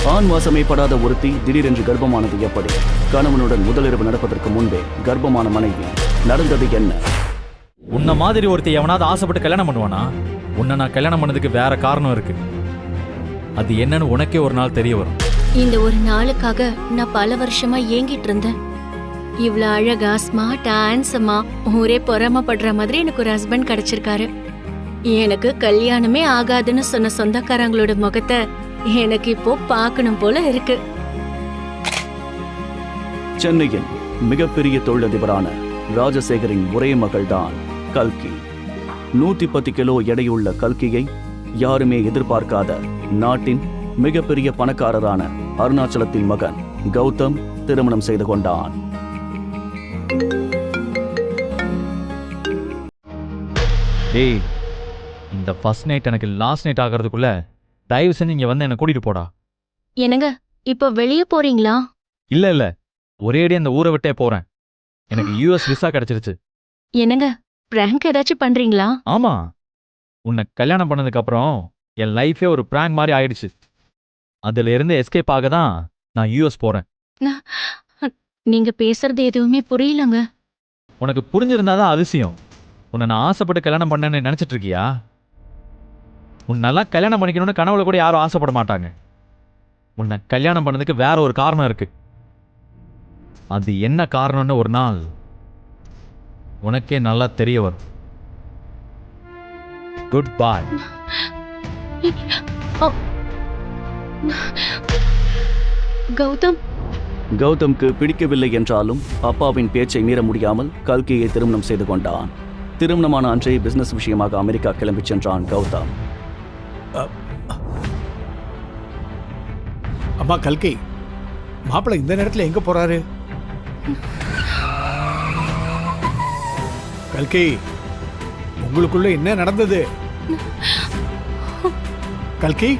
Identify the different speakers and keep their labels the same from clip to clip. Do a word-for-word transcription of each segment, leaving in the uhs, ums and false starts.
Speaker 1: ஆண் வாசமே படாத ஒருத்தி திடீரென்று கர்ப்பமானது எப்படி? கணவனுடன் முதலிரவு நடப்பதற்கு முன்பே கர்ப்பமான மனைவி. நடந்தது என்ன?
Speaker 2: உன்ன மாதிரி ஒருத்தி எவனாவது ஆசைப்பட்டு கல்யாணம் பண்ணுவானா? உன்னை நான் கல்யாணம் பண்ணதுக்கு வேற காரணம் இருக்கு. அது என்னன்னு உனக்கே ஒரு நாள் தெரிய வரும்.
Speaker 3: இந்த ஒரு நாளுக்காக நான் பல வருஷமா ஏங்கிட்டு இருந்தேன். இவ்வளவு அழகா ஸ்மார்ட்டா ஹேண்ட்ஸமா ஒரே பொறாமப்படுற மாதிரி எனக்கு ஒரு ஹஸ்பண்ட் கிடைச்சிருக்காரு. எனக்கு கல்யாணமே ஆகாதுன்னு சொன்ன சொந்தக்காரங்களோட முகத்தை எனக்கு இப்போ பார்க்கணும் போல இருக்கு.
Speaker 1: சென்னையின் மிகப்பெரிய தொழிலதிபரான ராஜசேகரின் ஒரே மகள்தான் கல்கி. நூத்தி பத்து கிலோ எடையுள்ள கல்கியை யாருமே எதிர்பார்க்காத நாட்டின் மிகப்பெரிய பணக்காரரான அருணாச்சலத்தின் மகன் கௌதம் திருமணம் செய்து கொண்டான்.
Speaker 2: டேய், இந்த ஃபர்ஸ்ட் நைட் எனக்கு லாஸ்ட் நைட் ஆகிறதுக்குள்ள தயவு செஞ்சு இங்க வந்து என்ன கூட்டிட்டு போடா.
Speaker 3: என்னங்க இப்ப வெளியே போறீங்களா?
Speaker 2: இல்ல இல்ல, ஒரேடி அந்த ஊரை விட்டே போறேன். எனக்கு யூஎஸ் விசா கிடைச்சிருச்சு.
Speaker 3: என்னங்க பிராங்க் ஏதாச்சும் பண்றீங்களா?
Speaker 2: ஆமா, உன்னை கல்யாணம் பண்ணதுக்கு அப்புறம் என் லைஃபே ஒரு பிராங்க் மாதிரி ஆயிடுச்சு. அதுல இருந்து எஸ்கேப் ஆக தான் நான் யூஎஸ் போறேன்.
Speaker 3: நீங்க பேசுறது எதுவுமே புரியலங்க.
Speaker 2: உனக்கு புரிஞ்சிருந்தாதான் அதிசயம். உன்னை நான் ஆசைப்பட்டு கல்யாணம் பண்ணேன்னு நினைச்சிட்டு இருக்கியா? உன்னெல்லாம் கல்யாணம் பண்ணிக்கணும்னு கனவுல கூட யாரும் ஆசைப்பட மாட்டாங்க. உன்னை கல்யாணம் பண்ணதுக்கு வேற ஒரு காரணம் இருக்கு. அது என்ன காரணம்னு ஒரு நாள் உனக்கே நல்லா தெரிய வரும். குட் பாய்.
Speaker 3: கௌதம்
Speaker 1: கௌதம்க்கு பிடிக்கவில்லை என்றாலும் அப்பாவின் பேச்சை மீற முடியாமல் கல்கியை திருமணம் செய்து கொண்டான். திருமணமான அன்றே பிசினஸ் விஷயமாக அமெரிக்கா கிளம்பி சென்றான் கௌதம்.
Speaker 4: அம்மா கல்கி, மாப்பிள்ளை இந்த நேரத்துல எங்க போறாரு? கல்கி, உங்களுக்குள்ள என்ன நடந்தது? கல்கி,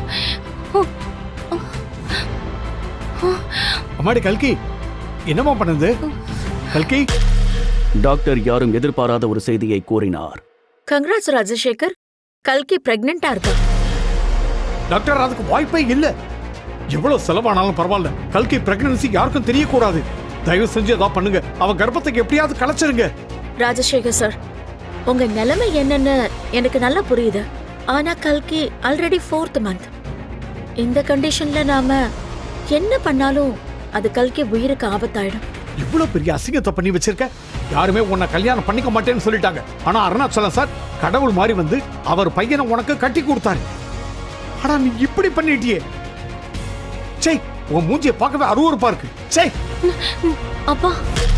Speaker 4: அம்மாடி கல்கி, என்னமா பண்ணது? கல்கி.
Speaker 1: டாக்டர் யாரும் எதிர்பாராத ஒரு செய்தியை கூறினார்.
Speaker 5: கங்க்ராட்ஸ் ராஜசேகர், கல்கி பிரெக்னெண்டா இருக்கா.
Speaker 4: டாக்டர், அதுக்கு வாய்ப்பே இல்ல. எவ்வளவு செலவானாலும் பரவாயில்ல, கல்கி பிரெக்னன்சி யாருக்கும் தெரியக்கூடாது. தயவு செஞ்சு ஏதாவது பண்ணுங்க. அவ கர்ப்பத்துக்கு எப்படியாவது கலைச்சிருங்க.
Speaker 5: ராஜசேகர் சார், உங்க நிலைமை என்னன்னு எனக்கு நல்லா புரியுது. ஆனா கல்கி ஆல்ரெடி ஃபோர்த் மந்த். இந்த கண்டிஷன்ல நாம என்ன பண்ணாலும் அது கல்கி உயிருக்கு ஆபத்தாயிடும்.
Speaker 4: இவ்வளவு பெரிய அசிங்கத்தை பண்ணி வச்சிருக்க. யாருமே உன்னை கல்யாணம் பண்ணிக்க மாட்டேன்னு சொல்லிட்டாங்க. ஆனா அருணாச்சலம் சார் கடவுள் மாதிரி வந்து அவர் பையனை உனக்கு கட்டி கொடுத்தாரு. ஆனா நீ இப்படி பண்ணிட்டியே. சே, உன் மூஞ்சியை பார்க்கவே அருவருப்பா இருக்கு. சே.
Speaker 3: அப்பா,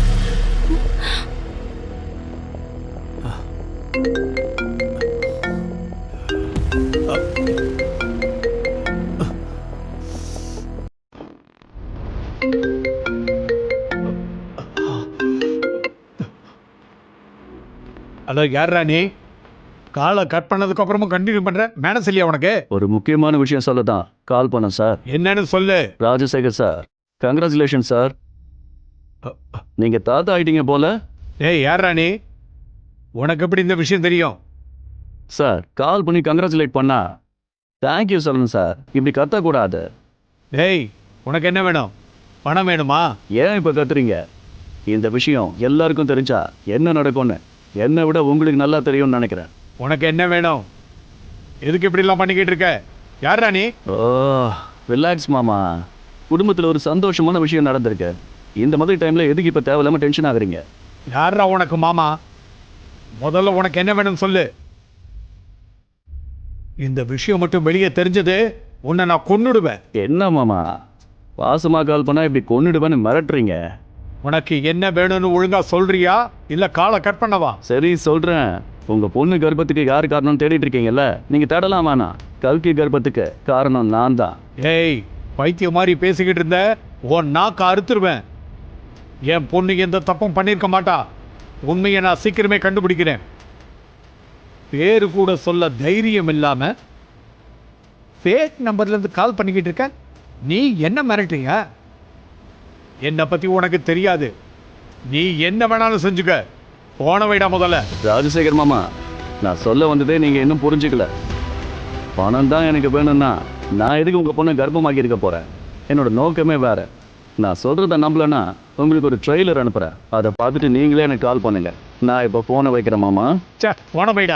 Speaker 4: ஹலோ, யாரா நீ? காலை கட் பண்ணதுக்கு அப்புறமும் கண்டினியூ பண்ற? மேனஸ் இல்லையா உனக்கு?
Speaker 1: ஒரு முக்கியமான விஷயம் சொல்லதான் கால் பண்ணேன் சார்.
Speaker 4: என்னன்னு சொல்லு.
Speaker 1: Rajasekar sir, congratulation sir. நீங்க தாத்தா ஆயிட்டீங்க போல.
Speaker 4: ஏய், யாரா நீ? உனக்கு எப்படி இந்த விஷயம் தெரியும்?
Speaker 1: சார், கால் பண்ணி கங்க்ராச்சுலேட் பண்ணா தேங்க்யூ சொல்லணும் சார். இப்படி கத்தக்கூடாது.
Speaker 4: ஏய், உனக்கு என்ன வேணும்? பணம் வேணுமா?
Speaker 1: ஏன் இப்ப கத்துறீங்க? இந்த விஷயம் எல்லாருக்கும் தெரிஞ்சா என்ன நடக்கும்னு என்னை விட உங்களுக்கு நல்லா தெரியும்னு நினைக்கிறேன்.
Speaker 4: உனக்கு என்ன வேணும்? எதுக்கு இப்படி எல்லாம் பண்ணிக்கிட்டு இருக்க? யாரா நீ?
Speaker 1: ஓ, ரிலாக்ஸ் மாமா. குடும்பத்தில் ஒரு சந்தோஷமான விஷயம் நடந்திருக்கு. இந்த மாதிரி டைம்ல எதுக்கு இப்ப தேவையில்லாம டென்ஷன் ஆகுறீங்க?
Speaker 4: யாரா உனக்கு மாமா? முதல்ல உனக்கு என்ன வேணும் சொல்லு. இந்த விஷயம் மட்டும் வெளியே தெரிஞ்சது உன்னை நான் கொன்னுடுவேன்.
Speaker 1: என்ன மாமா, பாசமா கால் பண்ணா இப்படி கொன்னுடுவேன்னு மிரட்டுறீங்க?
Speaker 4: உனக்கு என்ன வேணும்னு ஒழுங்கா சொல்றியா இல்ல காலை கட் பண்ணவா?
Speaker 1: சரி சொல்றேன். உங்க பொண்ணு கர்ப்பத்துக்கு யார் காரணம் தேடிட்டு இருக்கீங்கல்ல, நீங்க தேடலாம் வேணாம். கல்கி கர்ப்பத்துக்கு காரணம் நான் தான்.
Speaker 4: ஏய், பைத்தியம் மாதிரி பேசிக்கிட்டு இருந்த உன் நாக்க அறுத்துருவேன். என் பொண்ணு எந்த தப்பும் பண்ணியிருக்க மாட்டா. உண்மையை நான் சீக்கிரமே கண்டுபிடிக்கிறேன். பேரு கூட சொல்ல தைரியம் இல்லாம ஃபேக் நம்பர்ல இருந்து கால் பண்ணிக்கிட்டு இருக்க. நீ என்ன மிரட்டுறீங்க? என்னை பத்தி உனக்கு தெரியாது. நீ என்ன வேணாலும் செஞ்சுக்க. போன வைடா முதல்ல.
Speaker 1: ராஜசேகர் மாமா, நான் சொல்ல வந்ததே நீங்க இன்னும் புரிஞ்சுக்கல. பணம் தான் எனக்கு வேணும்னா நான் எதுக்கு உங்கள் பொண்ணை கர்ப்பமாக்கி இருக்க போகிறேன்? என்னோட நோக்கமே வேற. நான் சொல்கிறத நம்பலன்னா உங்களுக்கு ஒரு ட்ரெய்லர் அனுப்புகிறேன். அதை பார்த்துட்டு நீங்களே எனக்கு கால் பண்ணுங்க. நான் இப்போ ஃபோனை வைக்கிறேன் மாமா.
Speaker 4: சே போன போயிடா.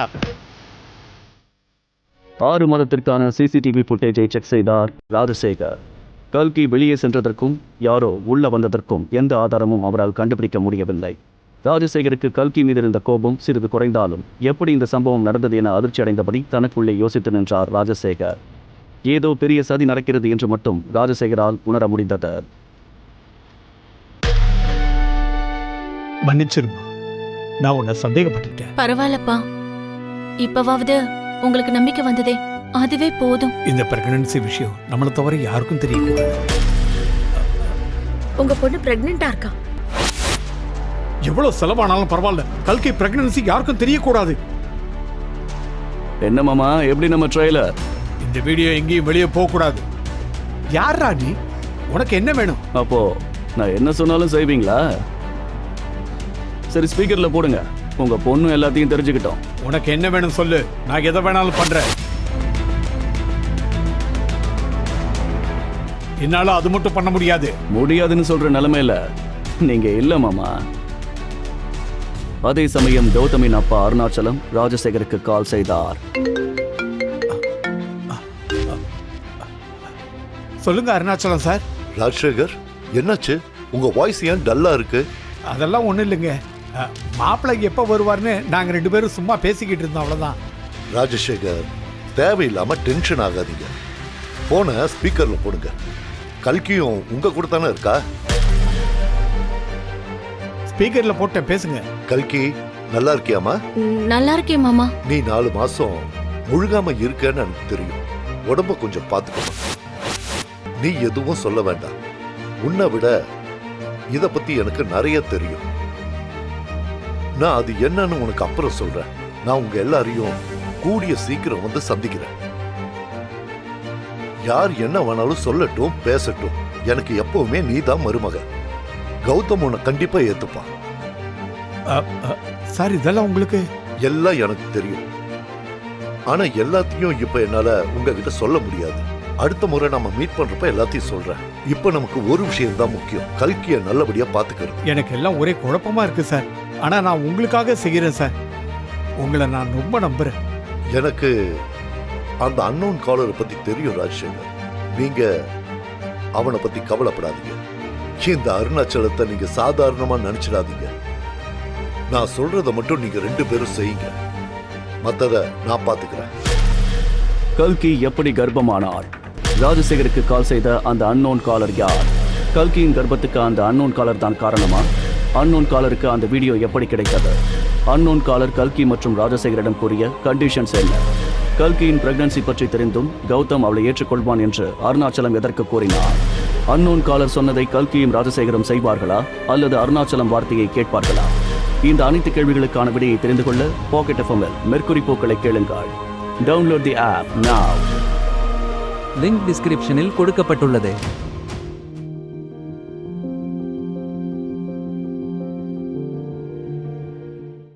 Speaker 1: ஆறு மாதத்திற்கான சிசிடிவி ஃபுட்டேஜை செக் செய்தார் ராஜசேகர். கல்கி வெளியே சென்றதற்கும் யாரோ உள்ள வந்ததற்கும் எந்த ஆதாரமும் அவரால் கண்டுபிடிக்க முடியவில்லை. ராஜசேகருக்கு கல்கி மீது இருந்த கோபம் சிறிது குறைந்தாலும் எப்படி இந்த சம்பவம் நடந்தது என அதிர்ச்சி அடைந்தபடி தனக்குள்ளே யோசித்து நின்றார் ராஜசேகர். ஏதோ பெரிய சதி நடக்கிறது என்று மட்டும் ராஜசேகரால் உணர முடிந்தது.
Speaker 4: மன்னிச்சிருமா, நான் உன்னை சந்தேகப்பட்டுட்டேன்.
Speaker 3: பரவாயில்லப்பா, இப்பவாவது உங்களுக்கு நம்பிக்கை வந்ததே, அதுவே போதும்.
Speaker 4: இந்த பிரெக்னன்சி விஷயம் நம்மளை தவிர யாருக்கும் தெரியக்கூடாது.
Speaker 5: உங்க பொண்ணு பிரெக்னெண்டா இருக்கா?
Speaker 4: எவ்வளவு செலவானாலும் பரவாயில்ல, கல்கி பிரெக்னன்சி யாருக்கும் தெரியக்கூடாது.
Speaker 1: என்ன மாமா, எப்படி நம்ம ட்ரெய்லர்?
Speaker 4: இந்த வீடியோ எங்கேயும் வெளியே போக கூடாது. யாரா நீ? உனக்கு என்ன வேணும்?
Speaker 1: அப்போ நான் என்ன சொன்னாலும் செய்வீங்களா? சரி, ஸ்பீக்கர்ல போடுங்க. உங்க பொண்ணு எல்லாத்தையும் தெரிஞ்சுக்கிட்டோம்.
Speaker 4: உனக்கு என்ன வேணும் சொல்லு, நான் எதை வேணாலும் பண்றேன். என்னால அது மட்டும் பண்ண முடியாது.
Speaker 1: முடியாதுன்னு சொல்ற நிலைமையில நீங்க இல்ல மாமா. அதே சமயம் கௌதமின் அப்பா அருணாச்சலம் ராஜசேகருக்கு கால் செய்தார்.
Speaker 4: சொல்லுங்க அருணாச்சலம் சார்.
Speaker 6: ராஜசேகர், என்னாச்சு? உங்க வாய்ஸ் ஏன் டல்லா இருக்கு?
Speaker 4: அதெல்லாம் ஒண்ணும் இல்லைங்க. மாப்பிள்ளை எப்ப வருவார்னு நாங்க ரெண்டு பேரும் சும்மா பேசிக்கிட்டு இருந்தோம், அவ்வளவுதான்.
Speaker 6: ராஜசேகர், தேவையில்லாம டென்ஷன் ஆகாதீங்க. போனை ஸ்பீக்கர்ல போடுங்க. கல்கியும் உங்க கூட தானே இருக்கா?
Speaker 4: ஸ்பீக்கர்ல போட்டேன், பேசுங்க.
Speaker 6: கல்கி, நல்லா இருக்கியாமா?
Speaker 3: நல்லா இருக்கேன் மாமா.
Speaker 6: நீ நாலு மாசம் முழுகாம இருக்கன்னு எனக்கு தெரியும். உடம்ப கொஞ்சம் பார்த்துக்கணும். நீ எதுவும் சொல்ல வேண்டாம். உன்னை விட இத பத்தி எனக்கு நிறைய தெரியும். நான் அது என்னன்னு உனக்கு அப்புறம் சொல்றேன். நான் உங்க எல்லாரையும் கூடிய சீக்கிரம் வந்து சந்திக்கிறேன். யார் என்ன வேணாலும் சொல்லட்டும், பேசட்டும். எனக்கு எப்பவுமே நீ தான் மருமக. கௌதம் உன்னை கண்டிப்பா ஏத்துப்பான்.
Speaker 4: சார், இதெல்லாம் உங்களுக்கு
Speaker 6: எல்லாம் எனக்கு தெரியும். ஆனா எல்லாத்தையும் இப்ப என்னால உங்ககிட்ட சொல்ல முடியாது. அடுத்த முறை நம்ம மீட் பண்றப்ப எல்லாத்தையும் சொல்றேன். இப்ப நமக்கு ஒரு விஷயம் தான் முக்கியம், கல்கியை நல்லபடியா பாத்துக்கிறது.
Speaker 4: எனக்கு எல்லாம் ஒரே குழப்பமா இருக்கு சார். ஆனா நான் உங்களுக்காக செய்கிறேன் சார். உங்களை நான் ரொம்ப நம்புறேன்.
Speaker 6: எனக்கு அந்த அன்னோன் காலரை பத்தி தெரியும் ராஜசேகர். நீங்க அவனை பத்தி கவலைப்படாதீங்க. இந்த அருணாச்சலத்தை நீங்க சாதாரணமா நினைச்சிடாதீங்க. நான் சொல்றத மட்டும் நீங்க ரெண்டு பேரும் செய்யுங்க. மத்தத நான் பாத்துக்கிறேன்.
Speaker 1: கல்கி எப்படி கர்ப்பமானாள்? ராஜசேகருக்கு கால் செய்த அந்த அன்னோன் காலர் யார்? கல்கியின் கர்ப்பத்துக்கு அந்த அன்னோன் காலர் தான் காரணமா? அன்னோன் காலருக்கு அந்த வீடியோ எப்படி கிடைத்தது? அன்னோன் காலர் கல்கி மற்றும் ராஜசேகரிடம் கூறிய கண்டிஷன்ஸ் என்ன? கல்கியின் பிரெக்னன்சி பற்றி தெரிந்தும் கௌதம் அவளை ஏற்றுக்கொள்வான் என்று அருணாச்சலம் எதற்கு கூறினார்? அன்னோன் காலர் சொன்னதை கல்கியும் ராஜசேகரும் செய்வார்களா அல்லது அருணாச்சலம் வார்த்தையை கேட்பார்களா? இந்த அனைத்து கேள்விகளுக்கான விடையை தெரிந்து கொள்ள பாக்கெட் எஃப்எம்மில் மெர்க்குரி பூக்களை கேளுங்கள். Download the app now.
Speaker 7: Link டிஸ்கிரிப்ஷனில் கொடுக்கப்பட்டுள்ளது.